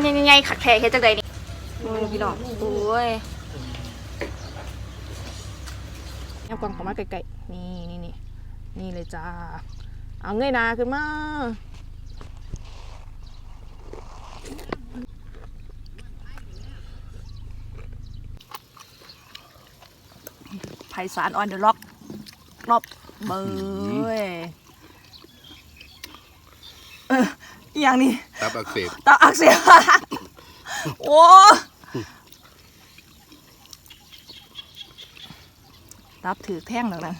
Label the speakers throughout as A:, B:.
A: มันยังไงขัดแท้เฮ็ดจังไดนี่พี่น้องโอ้ยเอากล่องเข้ามาไกลๆนี่เลยจ้าเอาเงยหน้าขึ้นมาไพศาลออนเดอะล็อกรอบเบยอย่างนี้
B: ตับอักเสบ
A: โอ้ตับถือแท่งแล้วนั่น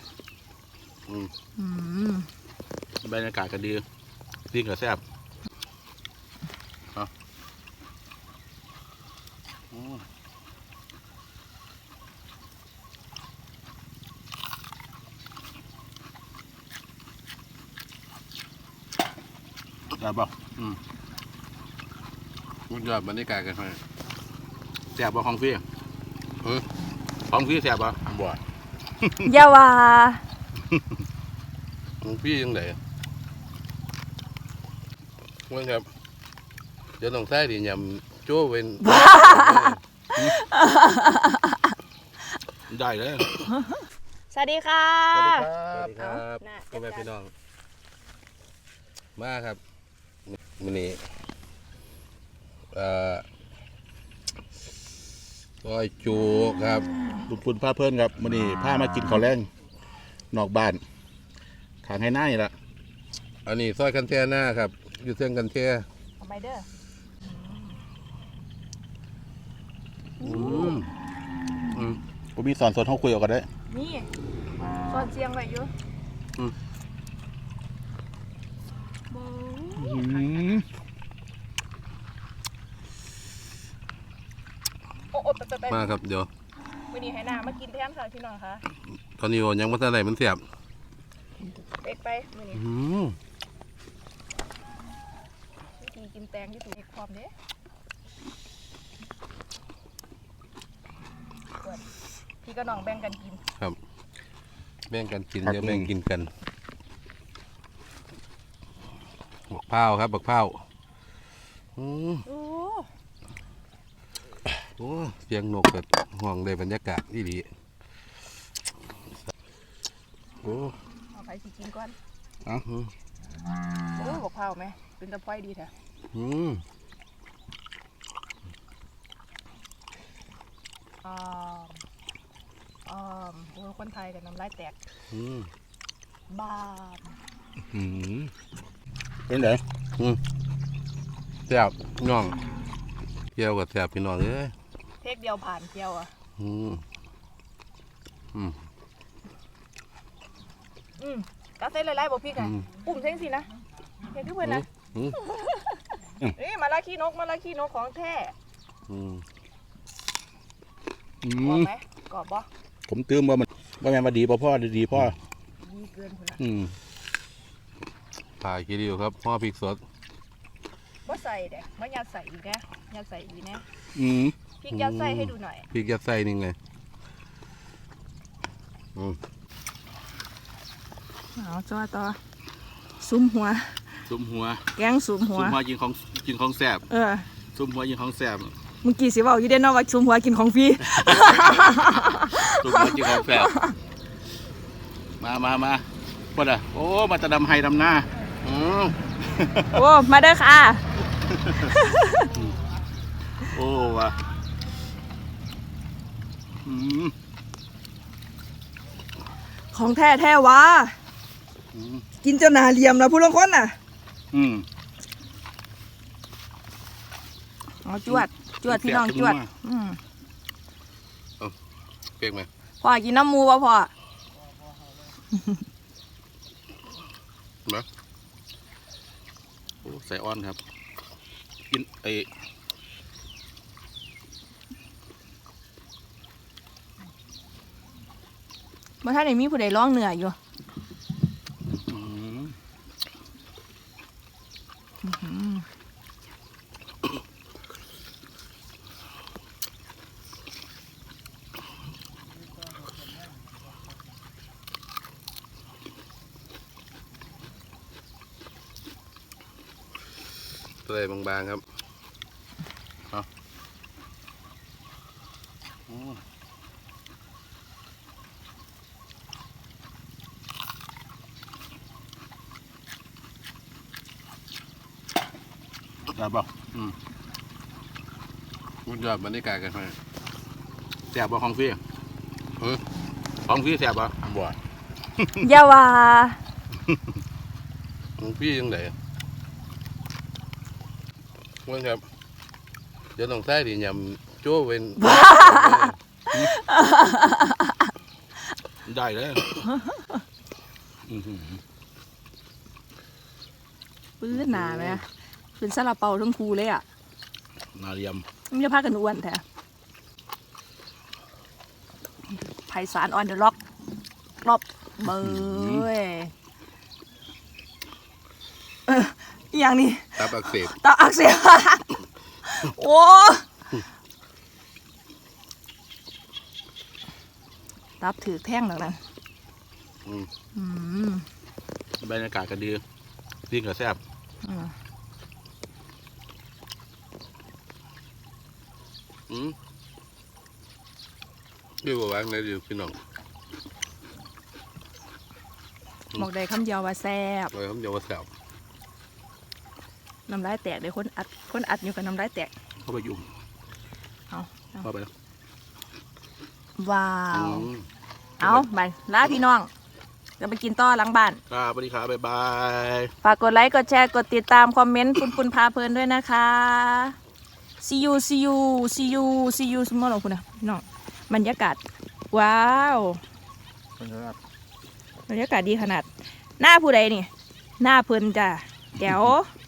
B: บรรยากาศก็ดีดิ้งก็แซ่บแซ่บป่ะมันยอดบรรยากาศกันเลยแซ่บป่ะของพี่ของพี่แซ่บป่ะบ่
A: ยาว่า
B: ของพี่ยังไงว่าครับเดี๋ยวต้องใส่ดิยำโจ้เป็นได้เลย
A: สวัสดีค่ะ
B: สวัสดีครับพ่อแม่พี่น้องมาครับมื้อนี้ก้อยจูครับลุงปุ่นพาเพื่อนครับมื้อนี้พามากินข้าวแรงนอกบ้านขางให้หน้านี่ละอันนี้ซอยกันแท่หน้าครับอยู่เส้นกันแท่
A: ทำไมเด้อ
B: ผมมีสอนสดห้องคุยออกกันได้
A: นี่สอนเสียงไว้อยู่
B: มาครับเดี๋ยว
A: วันนี้ให้น้ามากินแทนค่ะพี่น้องคะ
B: ตอนนี้ยังไม่ทันไหนมันเสียบ
A: เป๊กไปวันนี้วิธีกินแตงที่ถูกความเด้พี่ก็น้องแบ่งกันกิน
B: ครับแบ่งกันกินเดี๋ยวแบ่งกินกันบักเผาครับบักเผาโอ้เสียงนกเกิดห่วงเลยบรรยากาศที่ดี
A: โอ้เอาไปสิกินก่อนโอ้บักเผาไหมเป็นตะไคร้ดีแท้โอ้คนไทยกับน้ำลายแตกบ้า
B: เป็นไงแซ่บน้องเกี่ยวกับแซ่บพี่น้องเลย
A: เทคเดียวผ่านเกี่ยวอ่ะกาเซ่ไล่ๆบอกพี่กันปุ่มเส้นสินะเห็นทุกคนนะนี่มาลาขี้นกของแท้กรอบไหมกรอบปะ
B: ผมตื้มว่ามันว่าแม่มาดีพ่อดีพ่อ
A: ดีเกินคนละ
B: ถ่ายคิดอยู่ครับพ่อพริกสด
A: ว่าใส่เด็กไม่ยัดใส่อีกนะยัดใส่อีกนะพริกยัดใส่ให้ดูหน่อย
B: พริกยัดใส่นี่ไง
A: เอาจ้าต่อซุ้มหัวแกงซุ้มหัว
B: กินของแซ่บซุ้มหัวกินของแซ่บ
A: เมื่อกี้สิว่าอยู่เด่นเนาะว่าซุ้มหัวกินของฟรี
B: ซุ้มหัวกินของแซ่บมาพอดโอ้มาจะดำไฮดำหน้า
A: โอ้มาเด้อค่ะ
B: โอ้ว่ะ
A: ของแท้วะกินจนหนาเหลี่ยมแล้วผู้ลงคนน่ะอ๋อจวดพี่น้องจวด
B: เปียกไหม
A: พ่อกินน้ำมูป่ะพ่อ
B: นะโอ้ใส่อ้อนครับกิน
A: เมื่อท่านไหนมีผู้ใดร้องเหนื่อยอยู่
B: เลยบางๆครับได้ป่ะมุดยอดบรรยากาศกันไปแสบบ่ของฟรีของฟรีแสบบ่บ่
A: อย่าว่า
B: ของฟรียังไงว่าครับเดี๋ยวต้องใส่ดิยำโจ้เป็นได้เลย
A: ปื้นหนาไหมเป็นซาลาเปาทั้งคูเลยอ่ะ
B: นาเรียม
A: มันจะพากันอ้วนแท้ไผ่สารออนเดอะล็อกรอบเบยอย่างนี้
B: ตับอักเสบ
A: ตาอักเสบโอ้ตับถือแท่งแล้วนั่น
B: บรรยากาศก็ดีดิ้งก็แซ่บพี่บอกว่าไงดีพี่น้อง
A: บอกได้คำเดียวว่าแซ่บ
B: เลยครับเดี๋ยวว่าแซ่บ
A: น้ำลายแตกเลยคนอัดอยู่กับน้ำลายแตก
B: เข้าไปยุ่ง เข้าไป
A: ว้าว เอาไปลาพี่น้องจะไปกินต่อหลังบ้าน
B: ครับสวัสดีครับบ๊ายบาย
A: ฝากกดไลค์กดแชร์กดติดตามคอมเมนต์ปุนพาเพลินด้วยนะคะ see you สมมติของคุณนะพี่น้องบรรยากาศว้าวบรรยากาศดีขนาดหน้าผู้ใดนี่หน้าเพลินจ้ะแจ๋ว